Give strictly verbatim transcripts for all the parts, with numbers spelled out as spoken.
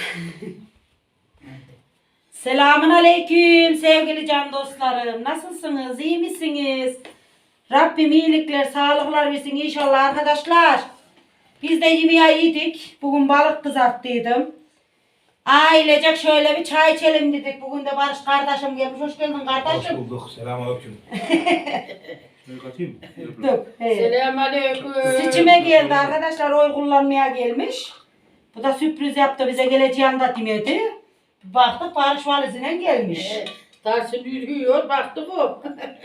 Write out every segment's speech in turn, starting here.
Selamun aleyküm sevgili can dostlarım. Nasılsınız? İyi misiniz? Rabbim iyilikler, sağlıklar versin inşallah arkadaşlar. Biz de yemeği yedik. Bugün balık kızarttıydım. Ailecek şöyle bir çay içelim dedik. Bugün de Barış kardeşim gelmiş. Hoş geldin kardeşim. Hoş bulduk. Selamünaleyküm. Şunu katayım mı? Dur. Hey. Selamünaleyküm. Seçime geldi arkadaşlar. Oy kullanmaya gelmiş. Bu da sürpriz yaptı. Bize geleceğini de demedi. Baktık Barış valizine gelmiş. Evet, Tarsın yürüyor, baktık o.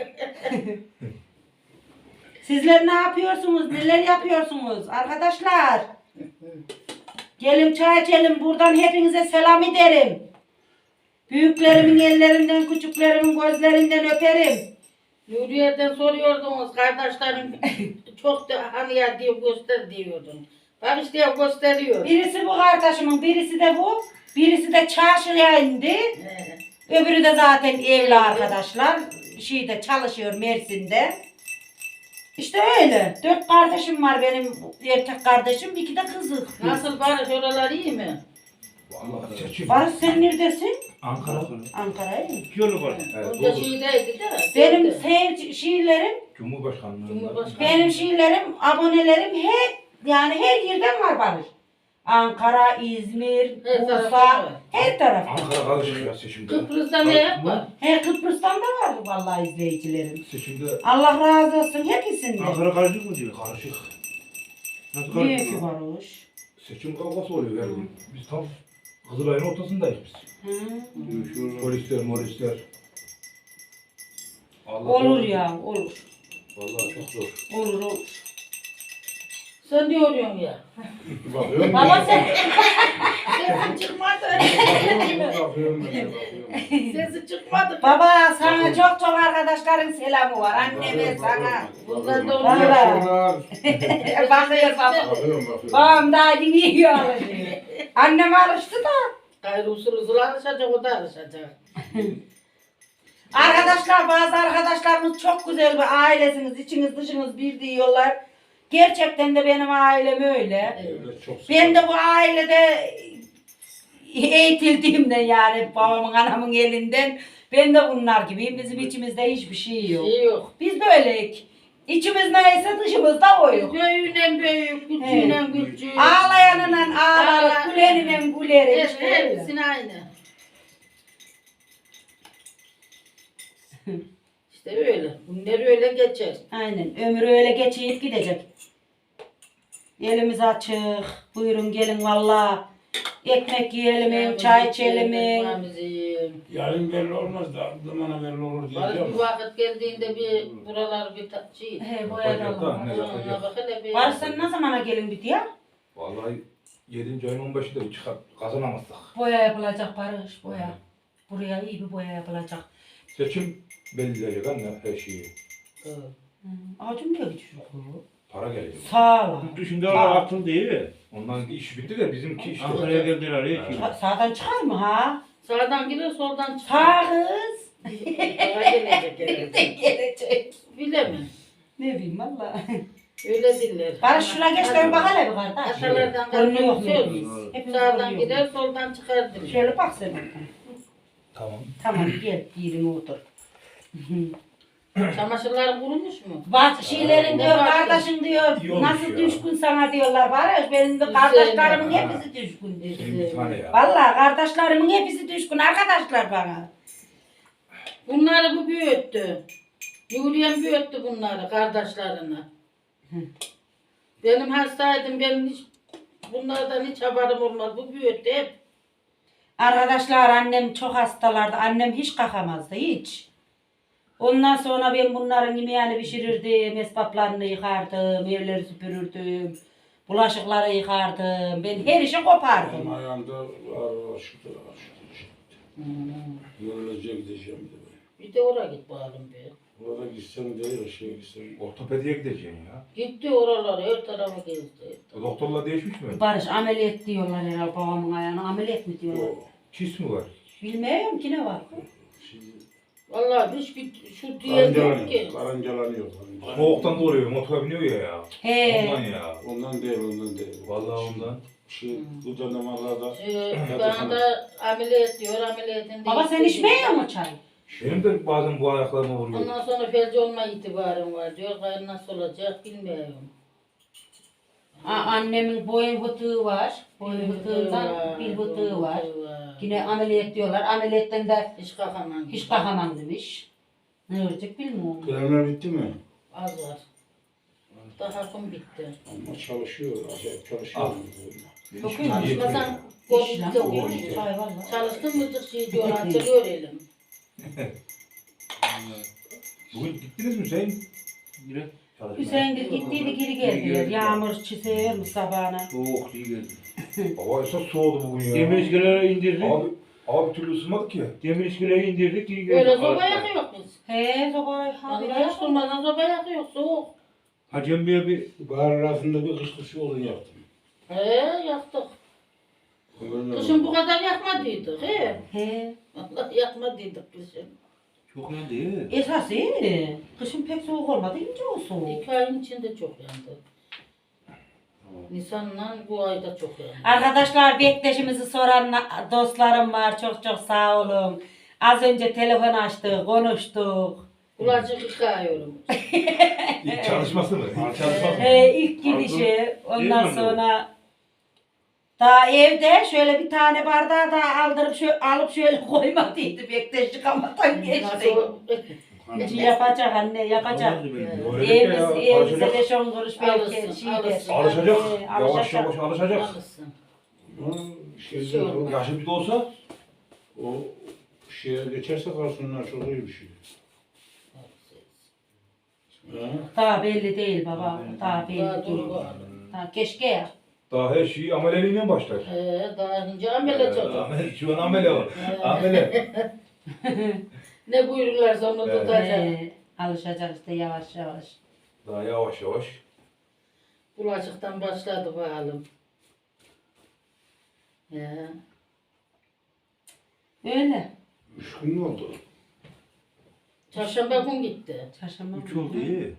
Sizler ne yapıyorsunuz? Neler yapıyorsunuz? Arkadaşlar. Gelin çay içelim. Buradan hepinize selam ederim. Büyüklerimin ellerinden, küçüklerimin gözlerinden öperim. Nuriye'den soruyordunuz, kardeşlerim çok da hani ya diye göster diyordun. Bak işte gösteriyor. Birisi bu kardeşimin, birisi de bu. Birisi de çarşıya indi. He. Öbürü de zaten evli arkadaşlar. Şeyde çalışıyor Mersin'de. İşte öyle. Dört kardeşim var benim erkek kardeşim. İki de kızı. Nasıl Barış, oralar iyi mi? Vallahi seçim. Barış sen neredesin? Ankara. Ankara'ya. İki yolu var. Evet, Onda doğru. şeydeydi de. Benim şeyde. sev şiirlerim, Cumhurbaşkanlığı. Cumhurbaşkanı. benim şiirlerim, abonelerim hep yani her yerden var Barış. Ankara, İzmir, Her tarafta Bursa, var. her taraf. Ankara karışık ya seçimde. Kıbrıs'ta ne yapar? He Kıbrıs'tan da var vallahi izleyicilerim. Seçimde Allah razı olsun hepsinden. Ankara karışık mı diyor? Karışık. Nasıl Niye karışık? ki Barış? Seçim kavgası oluyor her gün. Biz tam Kızılay'ın ortasındayız biz. Hı. Polisler, morisler. Allah Olur Allah. ya, olur. Vallahi çok zor. Olur olur. Sen ne oluyorsun ya? Bakıyorum. Baba sen Sesin çıkmadı. Bakıyorum ben de bakıyorum. Sesi çıkmadı. Baba sana çok çok arkadaşların selamı var. Anneme sana. Bundan da Vallahi. oluyor. Bakıyor baba. Bakıyorum bakıyorum. Babam daha dinliyor alışıyor. Annem alıştı da. Gayrı usul usul alışacak, o da alışacak. Arkadaşlar bazı arkadaşlarımız çok güzel bir ailesiniz. İçiniz dışınız bir diyorlar. Gerçekten de benim ailem öyle. Evet, çok Ben de bu ailede eğitildiğimden yani babamın anamın elinden ben de bunlar gibiyim. Bizim içimizde hiçbir şey yok. Şey yok. Biz böyleyik. İçimiz neyse dışımızda oyuk. Büyüğüyle büyük, küçüğüyle küçük. Ağlayanla ağlarız, Ağla- gülenle güleriz. Evet, İşte öyle. hepsini aynı. İşte öyle. Bunlar öyle geçer. Aynen. Ömür öyle geçip gidecek. Elimiz açık. Buyurun gelin valla. Ekmek yiyelim, çay içelim. Ekmeğimizi yiyelim. Yarın belli olmaz da zamana belli olur Barış diyeceğim. bir vakit geldiğinde bir buralar bir ta- şey. He Yapacak boyadalım. da, ne Ona yapacak? bak hele bir. Barış sen ne zamana gelin bir diye? Vallahi yedinci ayın on beşinde çıkar kazanamazsak. Boya yapılacak Barış, boya. Buraya iyi bir boya yapılacak. Seçim belirleyecek anne her şeyi. Evet. Hı. Ağacım diyor ki çocuk. Para gelecek. Sağ ol. Yurt dışında onlar atıl değil. Ondan iş bitti de bizimki işte. Ankara'ya geldiler ya. Evet. Sa- Sağdan çıkar mı ha? Sağdan girer soldan çıkar. Sağ kız. Sağa gelecek herhalde. Gelecek. Bilemem. Ne bileyim valla. Öyle diller. Barış şuna geç dön bak hele bir kardeş. Atalardan Görünüyor kalkan mu? söz. Hepimiz Sağdan görünüyor. gider soldan çıkar diller. Şöyle bak sen. oradan. Tamam. Tamam gel yerine otur. Çamaşırlar kurumuş mu? Bak şeylerin diyor, Baktım. kardeşin diyor, İyi olmuş nasıl ya. düşkün sana diyorlar Barış. Benim de kardeşlerimin hepsi düşkün. Senin bir tane ya. Valla kardeşlerimin hepsi düşkün arkadaşlar bana. Bunları bu büyüttü. Yürüyen büyüttü bunları kardeşlerini. Benim hastaydım, benim hiç bunlardan hiç haberim olmaz. Bu büyüttü hep. Arkadaşlar annem çok hastalardı. Annem hiç kalkamazdı hiç. Ondan sonra ben bunların yemeğini pişirirdim, esbaplarını yıkardım, evleri süpürürdüm, bulaşıkları yıkardım. Ben her işi Benim kopardım. ayağımda var aşıktı aşıktı. Yolunca gideceğim de ben. Bir de oraya git bakalım bir. Orada gitsem değil, aşağıya gitsem. Ortopediye gideceksin ya. Gitti oralara, her tarafa gezdi. O doktorla değişmiş mi? Barış ameliyat diyorlar herhalde babamın ayağına. Ameliyat mı diyorlar? O Çiz mi var? Bilmiyorum ki ne var. şimdi Vallahi hiç bir şu diye yok ki. karıncalanıyor, karıncalanıyor. karıncalanıyor. Soğuktan doğruyor, motora biniyor ya ya. He. Ondan ya. Ondan değil, ondan değil. Vallahi ondan. Şey, bu dönemlerde Ee, bana da ameliyat diyor, ameliyatın Baba sen içmiyor mu çay? Benim de bazen bu ayaklarıma vuruyor. Ondan sonra felci olma itibarım var diyor. Gayrı nasıl olacak bilmiyorum. Aa, annemin boyun fıtığı var. Boyun Bir fıtığından var, bir fıtığı var. fıtığı var. Yine ameliyat diyorlar. Ameliyattan da Hiç kalkamam. hiç kalkamam demiş. Ne olacak bilmiyorum. kremler bitti mi? Az var. Daha kum bitti. Ama çalışıyor, acayip çalışıyor. Çok iyi. Çalışmasan İş lan, korktu. o iş. Çay var lan. Çalıştın mıdır şey diyor, açılıyor elim. Bugün gittiniz mi Hüseyin? Yine çalışmaya. Hüseyin Gül gittiydi geri geldiler. Yağmur çiseyormuş sabahına. Soğuk iyi geldi. Hava esas soğudu bugün ya. Demir iskeleye indirdik. Abi, abi bir türlü ısınmadık ya. Demir iskeleye indirdik iyi geldi. Böyle soba yakıyor biz. He sobayı Vallahi habire hiç durmadan soba yakıyor, soğuk. Hacı Emmi'ye bir Bahar arasında bir kış kışı olun yaptım. He yaktık. Kışın bu kadar yakmadıydık he. He. Vallahi yakmadıydık kışın. çok yandı ya. Esas iyi. Kışın pek soğuk olmadı. İnce o soğuk. İki ayın içinde çok yandı. Nisan'la bu ayda çok yandı. Arkadaşlar bekleşimizi soran na- dostlarım var. Çok çok sağ olun. Az önce telefon açtık, konuştuk. Kulacık yıkıyorum. İlk çalışması mı? İlk çalışması mı? He, ilk gidişi. Ondan sonra daha evde şöyle bir tane bardağı daha aldırıp şöyle, alıp şöyle koymadıydı. Bekleş yıkamadan geçtik. Şimdi yapacak anne yapacak. Öğrenecek Evimiz, ya, evimizde alışacak. beş on kuruş belki Alırsın, şeydir. alırsın. Alışacak. He, Yavaş alışacak. yavaş alışacak. Alışsın. Şeyde o, Yaşı bir de olsa o şeye geçerse karşısından çok iyi bir şey. Ha? Daha belli değil baba. Daha belli Daha değil. dur bu. Ha, keşke ya. daha her şey ameleliğiyle başlar. He, daha önce amele Ee, çocuk. amel, şu an amele var. Amele. Ne buyururlarsa onu Evet. tutacak. He, alışacak işte yavaş yavaş. Daha yavaş yavaş. Bulaşıktan başladı bakalım. He. Öyle. Üç gün mü oldu? Çarşamba gün gitti. Çarşamba Üç oldu iyi.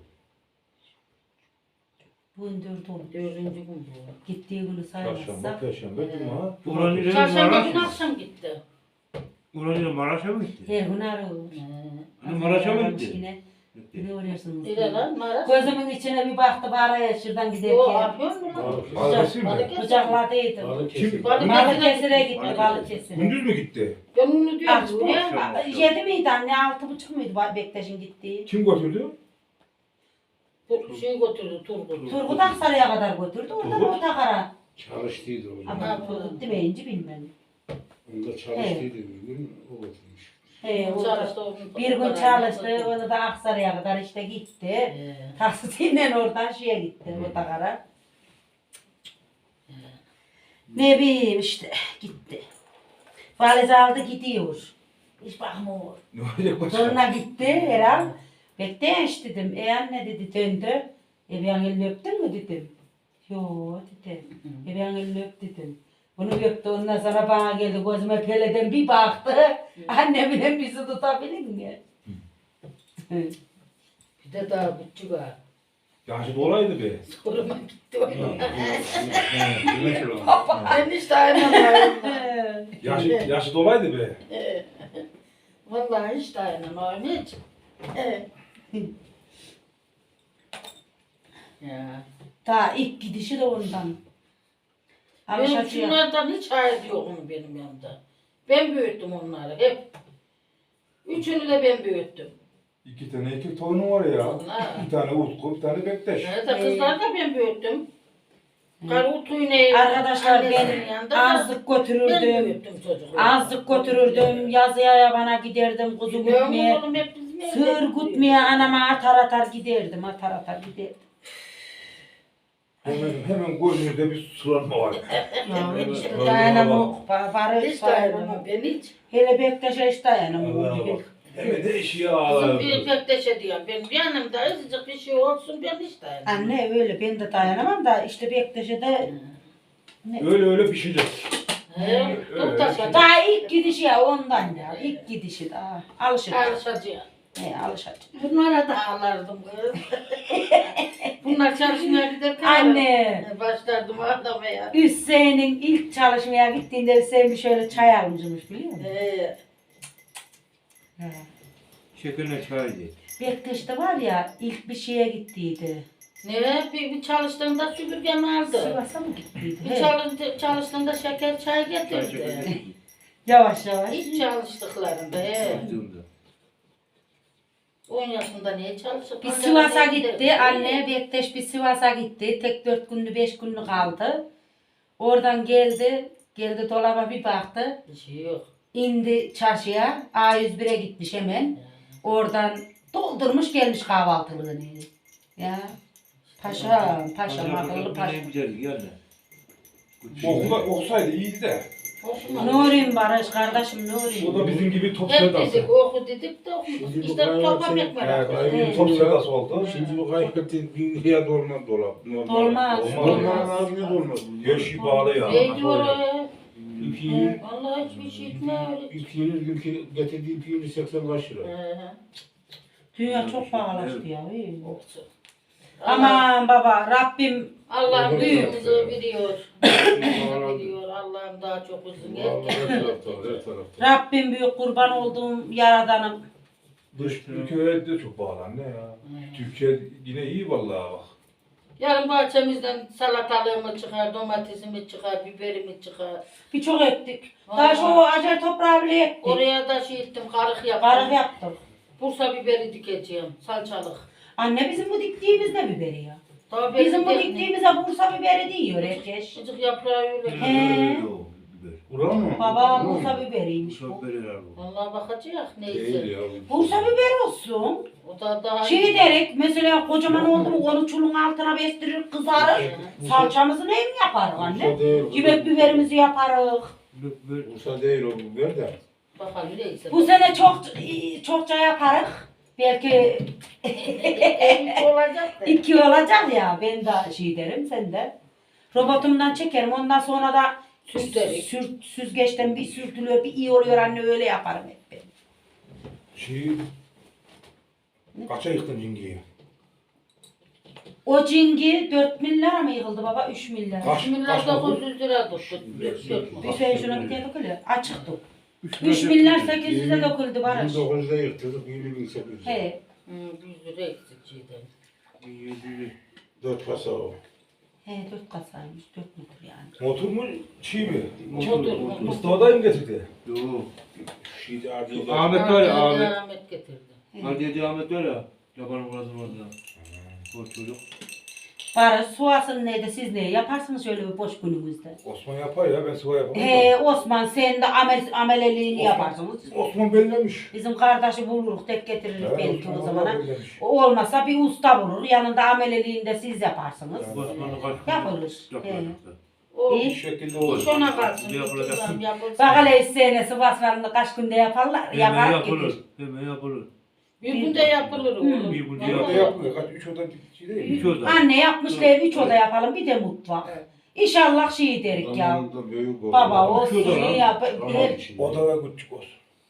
bugün dört oldu. Dördüncü gün bu. Gittiği günü Çarşamba, saymazsak. perşembe, cuma. Ulan ile Çarşamba gün Maraş. akşam gitti. Ulan ile Maraş'a mı gitti? Her gün arıyor. He. Hani Maraş'a mı gitti? Yine ne oluyorsunuz? İle lan Maraş. Gözümün içine bir baktı bari şuradan Yo giderken. yapıyor mu lan? Balıkesir mi? Balıkesir. Bıçakladıydım. Balıkesir. Balık- Balıkesir'e gitti Balıkesir'e. Gündüz mü gitti? Ben onu diyorum Akşam, bu ya. akşam. yedi miydi anne? Altı buçuk muydu Bektaş'ın gittiği? Kim götürdü? Bu şey götürdü Turgut. Turgut Aksaray'a kadar götürdü. Oradan Turgut. Ortakara. Çalıştıydı o zaman. Ama Turgut demeyince bilmem. Onda çalıştıydı bir gün, o götürmüş. He, o da Çalıştı onun bir gün parayla çalıştı. götürdü. Onu da Aksaray'a kadar işte gitti. He. Taksitiyle oradan şeye gitti. Ortakara. Ne bileyim işte gitti. Valiz aldı gidiyor. Hiç bakmıyor. Ne olacak başka? Sonra gitti herhal. Bekleyiş dedim. E anne dedi döndü. E ben elini öptün mü dedim. Yo dedi. E ben elini öp dedim. Bunu öptü ondan sonra bana geldi gözüme peleden bir baktı. Annemle bizi tutabilir mi? Bir de daha küçük ha. Yaşı dolaydı be. Soruma gitti o. Güneş olan. Ben hiç dayanamıyorum. Yaşı, yaşı dolaydı be. Vallahi hiç dayanamıyorum hiç. Ya. Ta ilk gidişi de ondan. Benim Alışacak. şunlardan hiç hayır yok onun benim yanımda. Ben büyüttüm onları hep. Üçünü de ben büyüttüm. İki tane erkek torunu var ya. Ha. Bir tane Utku, bir tane Bektaş. Evet, kızları da ben büyüttüm. Karı Utuy'un Arkadaşlar annesinin ben yanında da azlık ben götürürdüm. büyüttüm çocukları. Azlık götürürdüm. Yazıya yabana giderdim. Kuzu Biliyor gütmeye. musun oğlum, hep bizim evde Sığır büyüttük. gütmeye anama atar atar giderdim. Atar atar giderdim. Hemen, hemen gözünüzde bir sulanma var. Ya işte Vallahi dayanamam. Barış Hiç dayanamam. dayanamam ben hiç. Hele Bektaş'a hiç dayanamam. Allah'a bak. Hemen de eşiğe Kızım ağlar. bir pekteşe diyor. Ben yanımda azıcık bir şey olsun ben hiç dayanamam. Anne öyle ben de dayanamam da işte Bektaş'a da ne? Öyle öyle pişecek. He, öyle, dur taşa. Daha ilk gidişi ya ondan ya. İlk gidişi daha. Alışacak. Alışacağım. He alışacak. Bunlara da ağlardım kız. Bunlar çalışmaya giderken Anne. başlardım ağlamaya. Hüseyin'in ilk çalışmaya gittiğinde Hüseyin bir şöyle çay almışmış biliyor musun? Ee, He. Şekerle çay ye. Bektaş'ta var ya ilk bir şeye gittiydi. ne bir, bir çalıştığında süpürgen aldı. Sivas'a mı gittiydi? Bir He. çalıştı, çalıştığında şeker çay Çay getirdi. şekerle. Yavaş yavaş. Hiç çalıştıklarında. He. Çalıştığımda. on yaşında niye çalışır? Bir Sivas'a gitti. Anne Bektaş bir Sivas'a gitti. Tek dört günlü beş günlük kaldı. Oradan geldi. Geldi dolaba bir baktı. Bir şey yok. İndi çarşıya. A yüz bire gitmiş hemen. Oradan doldurmuş gelmiş kahvaltılığını. Ya. Paşam, paşam, akıllı paşam. Ne güzel geldi. Okula okusaydı iyiydi de. Okuma. Nurim Barış kardeşim O Nurim. da bizim gibi top Hep sevdası. dedik oku dedik de okumadık. Şimdi bu İşte kadar topa sen- pek merak Ha, ettim. kaybı Evet. Top top sevdası oldu. Şimdi bu kaybettiğin dünya dolmaz dolap. Normal. Dolmaz. Dolmaz abi ne dolmaz? Her şey bağlı ya. Ne diyor o? İki yıl, Vallahi hiçbir şey etmiyor. iki yıl günkü getirdiği piyonu seksen kaç lira? Ee, Dünya çok pahalaştı ya. iyi. olsun. Aman baba Rabbim Allah'ım Büyük. büyüğümüzü biliyor. Büyüğümüzü biliyor. Allah'ım daha çok uzun. Vallahi her Herkes tarafta, her tarafta. Rabbim büyük kurban olduğum yaradanım. Dış ülkelerde de çok bağlı anne ya. Türkiye yine iyi vallahi bak. Yarın bahçemizden salatalığımı çıkar, domatesimi çıkar, biberimi çıkar. Birçok ettik. Daha şu acele toprağı bile ektik. Oraya da şey ettim, karık yaptım. Karık yaptık. Bursa biberi dikeceğim, salçalık. Anne bizim bu diktiğimiz ne biberi ya? Daha Bizim bu benim diktiğimize Bursa biberi diyor herkes. Çocuk yaprağı öyle. He. Yok, biber. Ulan mı? Baba Ulan mı? Bursa biberiymiş bu. Çok verirler bu. Vallahi bakacak Değil neyse. ya. Bursa biberi olsun. O da daha Şey derek mesela kocaman oldu mu onu çulun altına bestirir kızarır. Salçamızı ne mi yaparız anne? Bursa değil. Yemek biberimizi yaparız. Biber. Bursa değil o biber de. bakalım neyse. Bu sene çok çokça yaparız. Belki Büyük olacak da. iki olacak ya. Ben de şey derim sen de. Robotumdan çekerim. Ondan sonra da Sürterik. sür, süzgeçten bir sürtülüyor, bir iyi oluyor anne öyle yaparım hep ben. Şey... Kaça yıktın cingiyi? O cingi dört milyara mı yıkıldı baba? üç milyar. Kaç? üç milyar dokuz yüz lira tuttu. Bir şey şuna bir tane dökülüyor. Açıktı. üç milyar sekiz yüze döküldü Barış. bin dokuz yüzde yırtırdık, yirmi bin sekiz yüz. He. Hmm, yüz lira eksik şeyden. Dört kasa o. He dört kasaymış. Dört metre yani. Motor mu çiğ mi? Motor, motor. Mustafa'dayım getirdi. Yok. Şeyde acil. Ahmet var ya Ahmet. Ahmet. Ahmet getirdi. Hadi Ahmet var ya. Yapanın burası orada. O çocuk. Barış suasın neydi siz ne yaparsınız şöyle bir boş günümüzde? Osman yapar ya ben sıva yapamam. He Osman sen de amel, ameleliğini Osman- yaparsınız. Osman bellemiş. Bizim kardeşi buluruz tek getiririz Evet, belki Osman o zamana. bellemiş. O olmasa bir usta bulur. Yanında ameleliğini de siz yaparsınız. Osman'ın kaç Yapılır. Yapılacak da. O İyi. Bir şekilde iş olur. ona kalsın. Ne yapılacak? Ulan yapılsın. Bak hele senesi basmanını kaç günde yaparlar. Hemen Yapar yapılır. gelir. Hemen yapılır. Bir günde yapılır oğlum. Bir günde Bir oda Vallahi. yapmıyor. Kaç üç oda şey değil mi? İki oda. Anne yapmışlar üç oda yapalım bir de mutfak. Evet. İnşallah şey derik ya. Zamanında büyük oldu. Baba olsun Üç oda lan. şey yap. Tamam Her, içinde. Oda ve küçük olsun.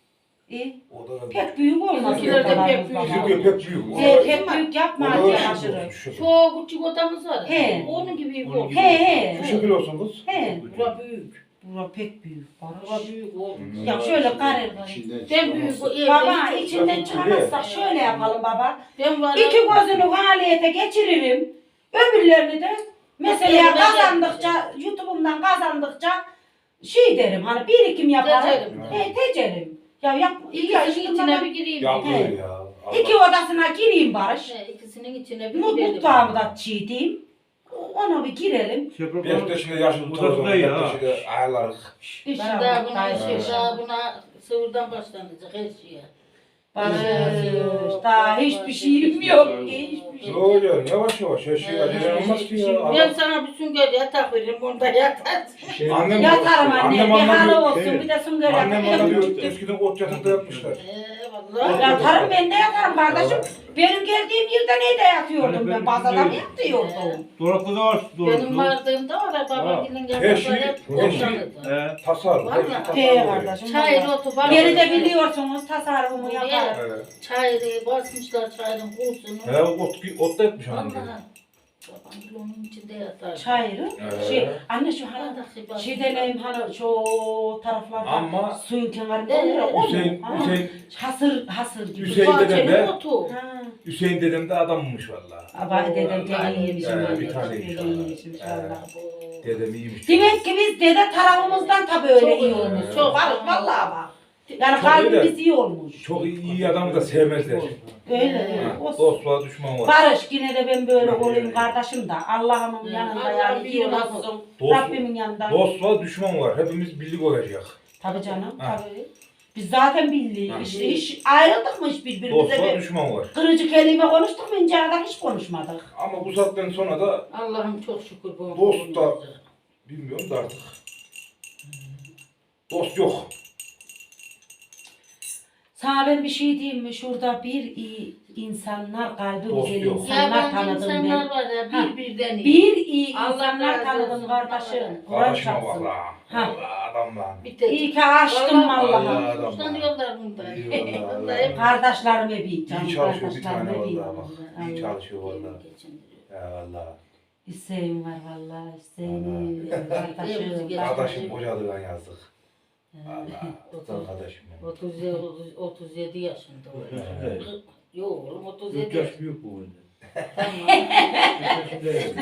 İyi. Oda ve küçük. Pek büyük olmaz. Bizimkiler de odalarımız pek büyük. baba. Bizim pek büyük. He, pek büyük yapma Oda hadi ve aşırı. küçük olsun. Çok küçük odamız var. He. Onun gibi Onun bu. gibi. He he. Şu şekil olsun kız. He. Bura büyük. Bura pek büyük. Bura Barış. büyük oğlum. Ya şöyle karır. İçinden Ben büyük. o evde Baba hiç- içinden çıkamazsak şöyle yapalım baba. Ben var. İki gözünü faaliyete geçiririm. Öbürlerini de mesela Elime kazandıkça, YouTube'umdan kazandıkça şey derim hani birikim yaparım. Tecerim. He tecerim. Ya yap, iyi İkisinin içine bir gireyim. Yapılır He. ya. İki odasına gireyim Barış. He, İkisinin içine bir Mut girelim. mutfağımı da çiğdeyim. Ona bir girelim. Şey yapalım. Bektaş'ı yaşlı Odası tutarız. da iyi ha. Bektaş'ı ayarlarız. İşte Ben daha ama buna, daha şey, iyi. daha buna sıfırdan başlanacak her şeye. Barış Yok, daha yok, hiçbir yok. şeyim yok. Hiçbir şey. Ne oluyor? Yavaş yavaş. Her şey acele olmaz ki ya. Ben Adam- sana bir sünger yatak veririm, onda yatarsın. Şey, Annem- Yatarım anne. Annem Bir halı anlamıyor. olsun Şey, bir de sünger Annem bana yapayım. diyor eskiden ot yatakta yapmışlar. Ee, vallahi. Yatarım ben de yatarım kardeşim. Benim geldiğim yerde neyde yatıyordum ben? Bazada mı yatıyordum? Dolapta da var. Benim Dolapta. vardığımda var, babamgilin Her şey- yanında hep her şey- ortalıkta. He. Tasarruf. her şey Vallahi. tasarruf He oluyor. kardeşim. Çayır vallahi. otu var. Geri de biliyorsunuz tasarrufumu yaparım. Evet. Çayırı basmışlar çayırın kursunu. He ot, ot da etmiş annem. Vallahi. Babam onun içinde yatar. Çayırı. Ee? Şey, anne şu hani Arada şey deneyim hani şu taraflarda Ama- suyun kenarında Evet. oluyor. o mu? Hüseyin, Ha. Hüseyin, Hasır, hasır gibi. Hüseyin dedem Bahçenin de, otu. Ha. Hüseyin dedem de adammış valla. Ama dedem Vallahi gene iyiymiş. Ee, valla. bir tane Gene inşallah. iyiymiş inşallah. Abo. Dedem iyiymiş. Demek ki biz dede tarafımızdan tabii öyle Çok iyi iyi. olmuş. Evet. Çok Barış vallahi bak. Yani Çok kalbimiz iyi iyi olmuş. Çok iyi, iyi adamı da sevmezler. Öyle. Ha, olsun. dostluğa düşman var. Barış yine de ben böyle Evet. olayım kardeşim de Allah'ımın Evet. yanında Allah yani iyi biliyor olsun. nasıl. Dost- Rabbimin yanında. Dostluğa düşman var. Hepimiz birlik olacak. Tabii canım Ha. tabii. Biz zaten bildik. Ha. İşte hiç ayrıldık mı hiç birbirimize? Dostluğa Bir düşman var. kırıcı kelime konuştuk mu ince kadar hiç konuşmadık. Ama bu saatten sonra da Allah'ım çok şükür bu. Dost da- bilmiyorum da artık. Dost yok. Sana ben bir şey diyeyim mi? Şurada bir iyi insanlar, kalbi Dost güzel yok. insanlar Yabancı tanıdım insanlar ben. var ya Ha. birbirden iyi. Bir iyi Allah insanlar razı tanıdım olsun. kardeşim. Kur'an Karışma çarpsın. valla. Ha. Valla adamla. Bir tek. İyi ki açtım Vallahi- Allah'ım. Allah adam. Hoşlanıyorlar bundan. İyi vallahi, Vallahi vallahi. hep- Kardeşlerime bir canım. İyi çalışıyor bir kardeşlerime tane bir. valla bak. İyi Allah. çalışıyor valla. Ya valla. Hüseyin var valla. Hüseyin. Hepimizi Kardeşim. geç- Kardeşim kocadıgan yazdık. Valla. Otuz- Kardeşim benim. otuz yedi, otuz- otuz yedi yaşında o. Evet. Yok oğlum otuz Dört yedi yaş yaş. büyük bu benden. Tamam. Dört yaşındayım.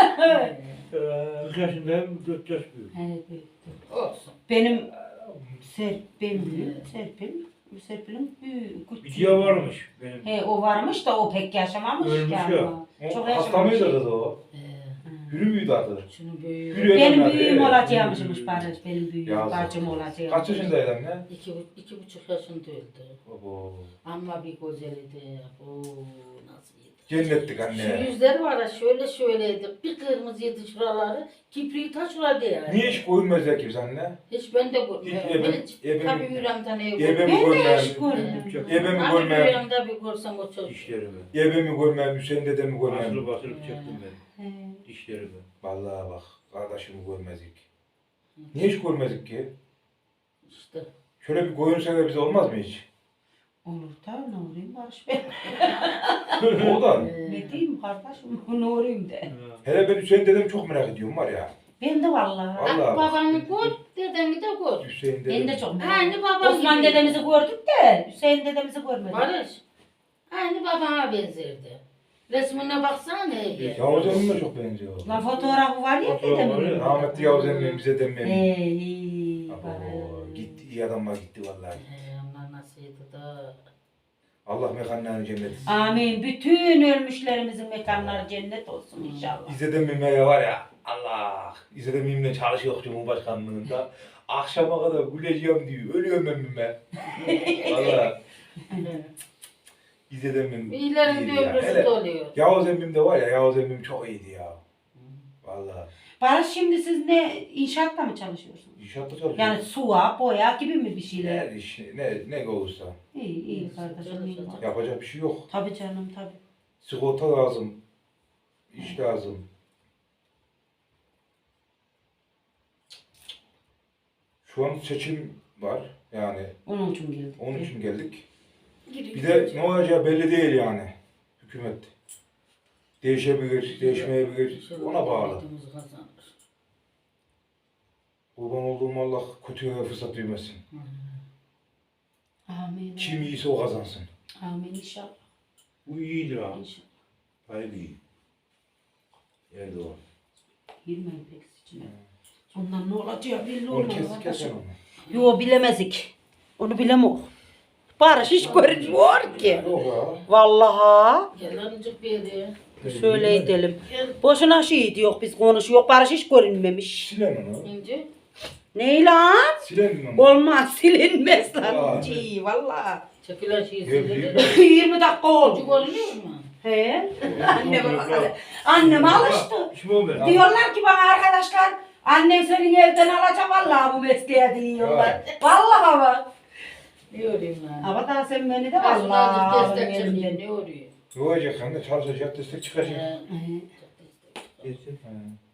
Kırk yaşındayım, dört yaş büyük. Evet. Olsun. Benim Serp, ben büyük. Serpil. Serpil'in büyük. Bir küçük. diye varmış benim. He o varmış da o pek yaşamamış Ölmüş yani. ya. o. Çok O hasta yaşamamış. mıydı kız o? Ee, Yürü müydü adı? şunun büyüğü. Yürüyor. Benim Öyle büyüğüm mi? olacakmışmış Barış. Benim büyüğüm. Yazık. Bacım olacakmış. Kaç yaşındaydı anne? İki, bu- iki buçuk yaşında öldü. Baba. Ama bir güzeldi. Oo, nasıl yedi. Cennettik Şu anne. yüzleri var ya şöyle şöyleydi. Bir kırmızıydı şuraları. Kipriği taşladı yani. Niye hiç koyulmazlar ki biz anne? Hiç ben de Hiç görmüyorum. ebem- Hiç. ebem- Tabii yüreğimden ev Ebemi Ben de hiç görmem. görmedim. Ebemi Hani görmem. yüreğimde bir görsem o çocuk. Dişlerimi. Ebemi görmem. Hüseyin dedemi görmem. Basılıp basılıp çektim ben. He. Dişlerimi. Vallahi bak. Kardeşimi görmezdik. Niye hiç görmezdik ki? İşte. Şöyle bir koyun sever bize olmaz mı hiç? Olur da ne olayım Barış ben. O da. Ee, Ne diyeyim kardeşim ne olayım de. Hele ben Hüseyin dedemi çok merak ediyorum var ya. Ben de vallahi. Vallahi bak. Babanı gör, dedeni de gör. Hüseyin dedem. Ben de çok merak Aynı ediyorum. babam Osman gibi. dedemizi gördük de Hüseyin dedemizi görmedik. Barış. Aynı babana benzerdi. Resmine baksana neydi? Yavuz emmim de çok benziyor. Lan fotoğrafı var ya Fotoğrafı var dedemin. ya. Rahmetli Yavuz emmim bize demmem. Ee, iyi. Abo, Barış. gitti iyi adamlar gitti vallahi. He, onlar nasılydı da. Allah mekanlarını cennet etsin. Amin. Bütün ölmüşlerimizin mekanları cennet olsun inşallah. İzzedim Mim'e var ya Allah. İzzedim Mim'le çalışıyor Cumhurbaşkanlığında. Akşama kadar güleceğim diyor. Ölüyorum ben Mim'e. Valla. İzzedim Mim. İyilerin iyiydi de ya. ömrüsü Hele doluyor. Yavuz emmim de var ya Yavuz emmim çok iyiydi ya. Valla. Barış şimdi siz ne inşaatta mı çalışıyorsunuz? İnşaatta çalışıyor. Yani suya, boya gibi mi bir şeyler? Ne iş, ne, ne olursa. İyi, iyi kardeşim. iyi var. Yapacak bir şey yok. Tabii canım tabii. Sigorta lazım. İş lazım. Şu an seçim var. Yani Onun için geldik. onun için geldik. Bir de ne olacağı belli değil yani. Hükümet. Değişebilir, değişmeyebilir. Ona bağlı. Kurban olduğum Allah kötüye fırsat vermesin. Amin. Kim iyiyse o kazansın. Amin inşallah. Bu iyidir abi. İnşallah. Tayyip iyi. Erdoğan. Girmeyin pek içine. Ondan ne olacağı belli Onu olmaz. kes, kes arkadaşım. onu. Yo bilemezik. Onu bilemem. Barış hiç görünmüyor ki. Yok ya. Vallahi. Gel ancak bir yere. Şöyle edelim. Gel. Boşuna şey diyor biz konuşuyor. Barış hiç görünmemiş. Silen onu. İnce. Ne lan? Silen onu. Olmaz silinmez lan. Vay. Cii vallahi. Çekilen şeyi Gel, sildi. yirmi dakika oldu. Çocuk oluyor mu? He. Annem, annem alıştı. Kim o ben? Diyorlar ki bana arkadaşlar annem senin elden alacak vallahi bu mesleğe diyorlar. Vallahi bak. Ne öreyim lan? Ama daha sen beni de Vallahi vallahi destek benim çıkıyor. elimden. Ne örüyor? Ne olacak anne? Çalışacak, destek çıkacak. He. Geçsin. He.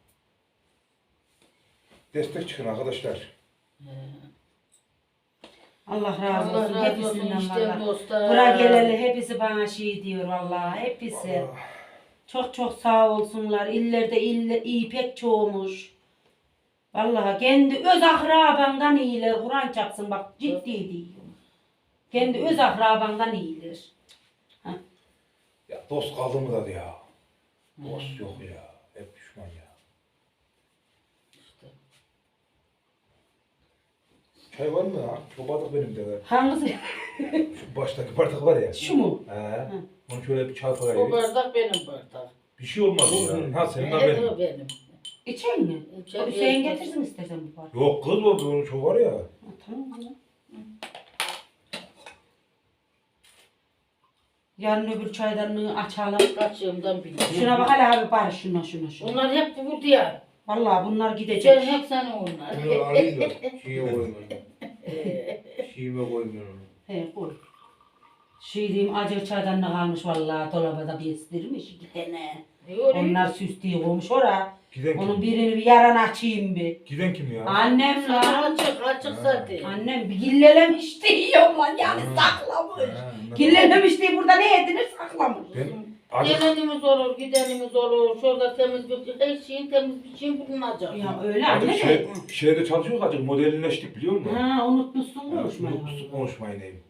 Destek çıkın arkadaşlar. He. Allah razı Allah olsun razı olsun hepsinden işte vallahi. dostlar. Bura geleli hepsi bana şey diyor vallahi hepsi. Allah. Çok çok sağ olsunlar. İllerde ille, iyi pek çoğumuş. Vallahi kendi öz akrabandan iyiler. Kur'an çapsın bak ciddi diyorum. Kendi öz akrabandan iyiler. Ya dost kaldı mı da ya? Dost yok ya. Hep düşman ya. Çay var mı ya? Şu bardak benim de. Hangisi? Şu baştaki bardak var ya. Şu mu? He. Onu şöyle bir çay O koyayım. bardak benim bardak. Bir şey olmaz ya. Ha senin de Evet benim. o benim. İçen mi? İçen Hüseyin biraz- getirsin istersen bu parça. Yok kız o onun şu var ya. Ha, tamam ya. Yarın öbür çaydanlığı açalım. Kaçığımdan biliyorum. Şuna bak hele abi bari şuna şuna şuna. Bunlar hep bu diye. Vallahi bunlar Sen gidecek. hep senin onlar. Bunu alayım da şeye koymuyorum. Şeyime koymuyorum. He koy. Şey diyeyim acı çaydanlığı kalmış vallahi dolabada bestirmiş iki tane. Onlar süs diye koymuş ora. Giden Onun kim? birini bir yaran açayım bir. Giden kim ya? Annem lan. Açık açık zaten. Annem bir gillelemiş diyor lan yani Ha. saklamış. Ha, ne- Gillelemiş diye burada ne edinir saklamış. Ben acık Gelenimiz olur, gidenimiz olur. Şurada temiz bir her şeyin temiz bir şeyin bulunacak. Ya öyle anne acık de. şey, şeyde çalışıyor acık modelleştik biliyor musun? Ha unutmuşsun Ha, konuşmayı. unutmuşsun konuşmayı neyim?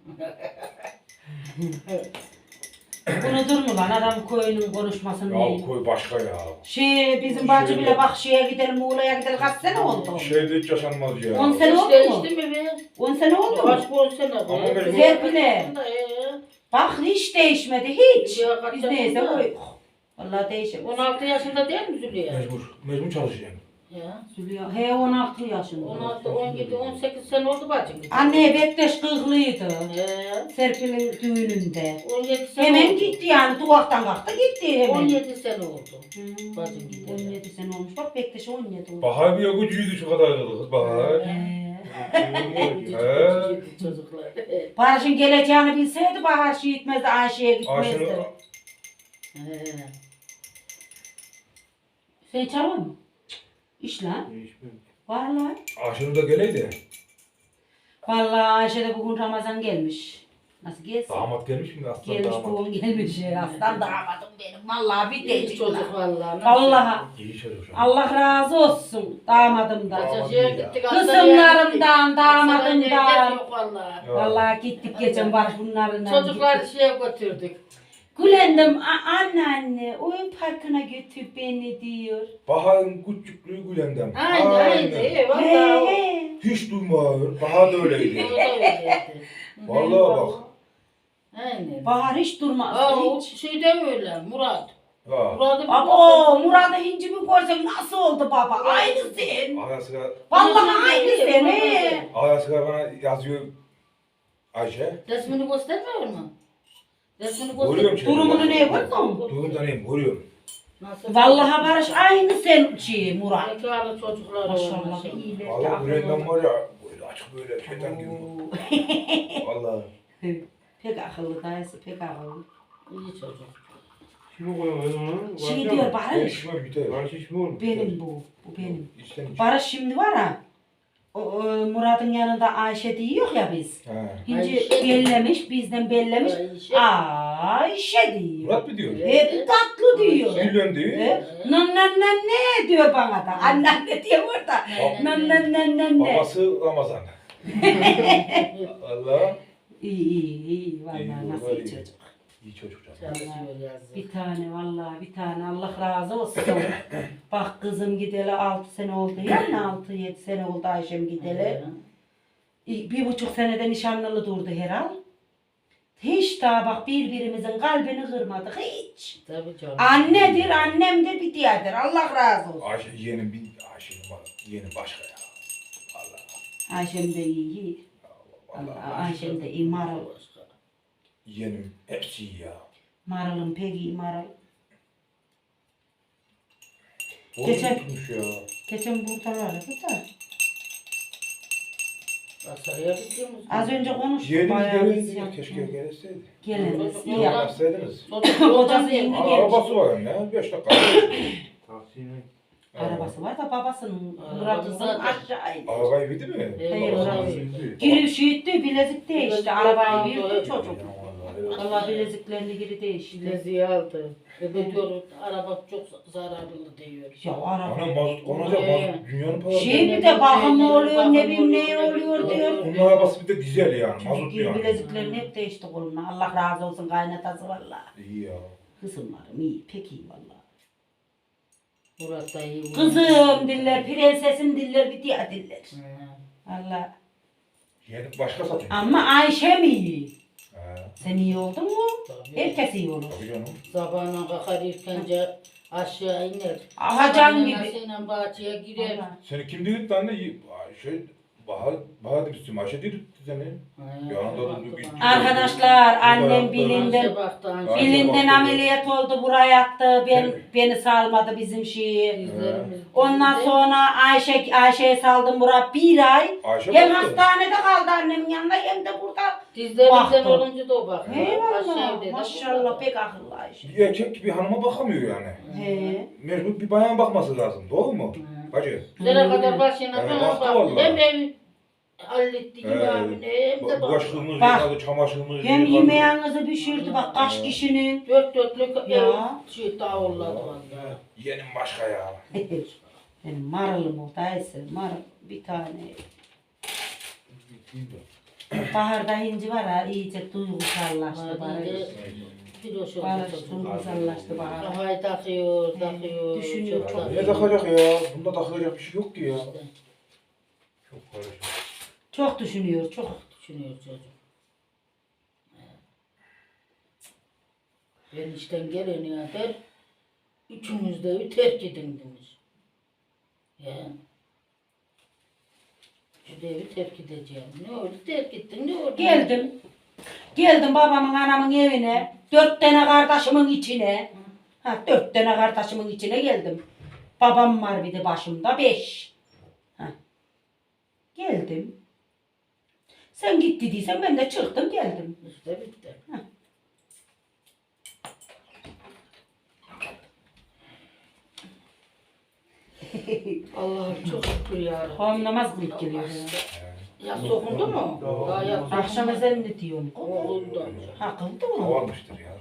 Unutur mu lan adam koyunun konuşmasını Ya neyim? koy başka ya. Şey bizim bacı Şöyle- bile bak şeye gidelim Muğla'ya gidelim kaç sene oldu? Şeyde hiç yaşanmaz ya. On sene oldu İşte mu? işte mi be? on sene oldu mu? Kaç on sene bu. Ama ben- Güzel bile. Ee, Bak hiç değişmedi hiç. Ya kaç Biz neyse yaşında? koyduk. Vallahi değişmedi. on altı yaşında değil mi Zülüye? Mecbur. Mecbur çalışacaksın. Ya. Zülya, he on altı yaşında. on altı, on yedi, on sekiz sene oldu bacım. Anne Bektaş kırklıydı. Ee, Serpil'in düğününde. on yedi sene Hemen oldu. gitti yani duvaktan kalktı gitti hemen. on yedi sene oldu. Hmm, Bacım gitti. on yedi sene olmuş. Bak Bektaş on yedi oldu. Bahar bir gücüydü şu kadar kız Bahar. He. He. Çocuklar. Barış'ın geleceğini bilseydi Bahar şey gitmezdi, Ayşe'ye gitmezdi. Aşını He. Sen çalıyor musun? İş lan. Değişmiyor. Vallahi. Aşını da geleydi. Vallahi Ayşe de bugün Ramazan gelmiş. Nasıl gelsin? Damat gelmiş mi aslan Gelmiş damat? bugün gelmiş ya. Aslan damadım benim. Vallahi bir İyi tecik çocuk lan. vallahi. Vallahi. İyi çocuk şu an. Allah razı olsun damadımdan. Damat Kaçacıya iyi ya. gittik. Kızımlarımdan, Damadımdan. damadımdan. Yok vallahi. Ya. Vallahi gittik geçen Barış bunlarla. Çocukları gittik. şeye götürdük. Gülendim, "A- anne anne oyun parkına götür beni diyor. Bahar'ın küçüklüğü Gülendam. Aynen aynen. İyi He vallahi. he. Hiç duymağır. Bahar da öyleydi. O da öyleydi. Vallahi bak. Aynen. Bahar hiç durmaz. Aa, o hiç. şey de öyle Murat. Ha. Murat'ı bir Baba Murat'ı hinci mi görsem nasıl oldu baba? Aynı sen. Ayasıga, Vallahi aynı sen he. Ayasıga bana yazıyor Ayşe. Resmini göstermiyor mu? Resmini Görüyorum göster. şimdi. Durumunu ne yapıyorsun? Duyum neyim görüyorum. Nasıl? Vallahi Barış aynı sen şey Murat. Zekalı çocuklar Maşallah olmuş. iyiler. Vallahi Gülendam var ya böyle açık böyle şeytan gibi. Vallahi. Pek akıllı dayısı pek akıllı. İyi çocuk. Kimi koyamayız onu? Şey diyor Barış. İçmem biter. Barış iş mi olur? Benim bu. Bu benim. İçten iç. Barış şimdi var ha. O, o, Murat'ın yanında Ayşe diyor ya biz. Ha. Hinci Ayşe. bellemiş, bizden bellemiş. Ayşe. Ayşe diyor. Murat mı diyor? Hep tatlı diyor. Güllen diyor. He? Nan nan nan ne diyor bana da. Annem ne diyor burada. Nan nan nan nan ne. Babası Ramazan. Allah. İyi iyi iyi. Vallahi İyi, nasıl vallahi iyi iyi. çocuk. İyi çocuk canım. Çalışıyor yazık. Bir tane vallahi bir tane Allah razı olsun. Bak kızım gideli altı sene oldu yani altı yedi sene oldu Ayşem gideli. Bir buçuk senede nişanlılı durdu herhal. Hiç daha bak birbirimizin kalbini kırmadık hiç. Tabii canım. Annedir, annemdir, bir diğerdir. Allah razı olsun. Ayşe yeğenim bir Ayşe'nin var. Yeğenim başka ya. Allah. Ayşem de iyi, iyi. Allah. Allah, Ayşem de iyi, Marul. Yeğenim hepsi iyi ya. Marul'un pek iyi, Marul. Oğlum Geçen- tutmuş ya. Geçen buradalardı da. Asarıya gidiyoruz. Az önce konuştuk Yeğenim bayağı biz gelirdi. ya. Keşke gelseydi. Geliniz, iyi Yok. yap. Yapsaydınız. Kocası yeni Aa, gelmiş. arabası var ya. Beş dakika. Tahsine. Arabası var da babasının Arabası Murat'ın zaten. aşağı indi. Arabayı bildi mi? Hayır, Eyvallah. arabası. Üzüldü. Giriş yiğitti, bilezikte işte. Arabayı büyüttü çocuk. Ya vallahi Allah bileziklerini geri değişti. Bileziği aldı. Ve diyor araba çok zararlı diyor. Ya araba. Ana mazot konacak, mazot dünyanın parası. Şey bir de bakım oluyor, ne bileyim ne oluyor diyor. Onun arabası bir de dizel yani, mazot Çünkü yani. bileziklerini hep değişti koluna. Allah razı olsun kaynatası valla. İyi ya. Kızımlarım iyi, pek iyi valla. Murat da iyi. Kızım diller, prensesim diller, bir diye diller. Hı. Valla. Yeğenim başka satıyor. Ama Ayşe mi iyi? He. Sen iyi oldun mu? Tabii. Herkes iyi olur. Tabii canım. Sabahına kalkar ilkence aşağı iner. Ahacan gibi. Anasıyla bahçeye girer. Valla. Seni kim dedi tane şey Bahar Bahar demiştim Ayşe dedi seni. He, Yanında da baktı bir- bana. Arkadaşlar annem Ayşe bilinden Anse baktı, anse Ayşe bilinden baktı. ameliyat oldu, buraya yattı. Ben, Evet. beni salmadı bizim şeyi. Dizlerimiz- Ondan dizde- sonra Ayşe Ayşe'ye saldım buraya bir ay. Ayşe Hem baktı. hastanede kaldı annemin yanında hem de burada. Dizlerimizden Baktı. olunca da o baktı. Aşağı Eyvallah. evde de Maşallah burada. pek akıllı Ayşe. Bir erkek bir hanıma bakamıyor yani. He. Mecbur bir bayan bakması lazım. Doğru mu? Hı. Bacı. Nereye kadar başına Evet, bana baktı baktı. vallahi. Hem ev halletti gibi Evet. abine hem de baktı. Bulaşıklığımız Bak. yıkadı, çamaşırımız Hem yıkadı. yemeğinizi pişirdi bak kaç kişinin. Dört dörtlük Ya. ev şey davulladı vallahi. Yeğenim başka ya. Benim marılım o dayısı marıl bir tane. Baharda inci var ha iyice duygusallaştı bana. Hadi bir hoş oldu Bana çocuk. duygusallaştı bana. Kafayı takıyor, takıyor. Düşünüyor, çok Ne takacak ya? Bunda takılacak bir şey yok ki ya. İşte, Çok karışık. Çok düşünüyor çok. düşünüyor çocuk. Ben işten geleni der, üçünüz de evi terk edin demiş. Ya. Şu evi terk edeceğim. Ne oldu terk ettin ne oldu? Geldim. Geldim babamın anamın evine. Dört tane kardeşimin içine. Ha dört tane kardeşimin içine geldim. Babam var bir de başımda beş. Ha. Geldim. Sen git dediysen ben de çıktım geldim. İşte bitti. Allah'ım çok şükür ya. Hom namaz kılıp geliyor. Ya sokundu mu? Daha ya Akşam ezanını diyorum. Okulda. Ha kıldı mı? Havalmıştır ya.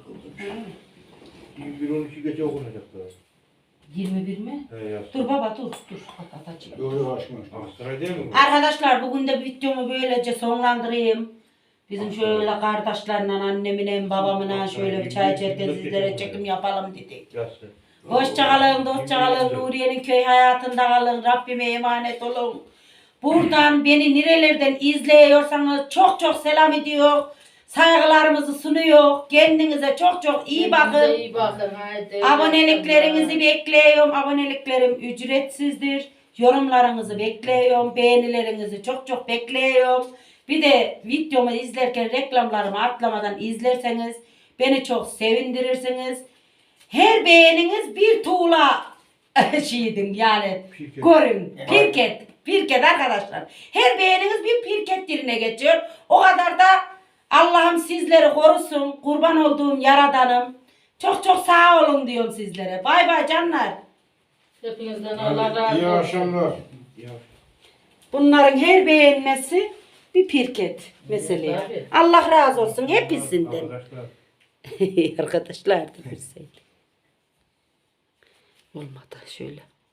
bir on iki gece okunacak daha. yirmi bir mi? He yaz. Dur baba dur dur. Bak atacağım. Yok yok açmış. Aksaray değil mi bu? Arkadaşlar bugün de videomu böylece sonlandırayım. Bizim şöyle kardeşlerle annemle babamla şöyle bir çay içerken sizlere çekim yapalım dedik. Yazsın. Hoşçakalın, hoşçakalın. Nuriye'nin köy hayatında kalın. Rabbime emanet olun. Buradan beni nerelerden izliyorsanız çok çok selam ediyor. Saygılarımızı sunuyor. Kendinize çok çok iyi bakın. İyi bakın haydi. Aboneliklerinizi bekliyorum. Aboneliklerim ücretsizdir. Yorumlarınızı bekliyorum. Beğenilerinizi çok çok bekliyorum. Bir de videomu izlerken reklamlarımı atlamadan izlerseniz beni çok sevindirirsiniz. Her beğeniniz bir tuğla şeydim yani. Pirket. Görün. Pirket. Pirket arkadaşlar. Her beğeniniz bir pirket yerine geçiyor. O kadar da Allah'ım sizleri korusun. Kurban olduğum Yaradanım. Çok çok sağ olun diyorum sizlere. Bay bay canlar. Hepinizden Allah razı olsun. İyi akşamlar. Bunların her beğenmesi bir pirket mesela. Tabii. Allah razı olsun hepsinden. Arkadaşlar. Arkadaşlar da bir şey. Olmadı şöyle.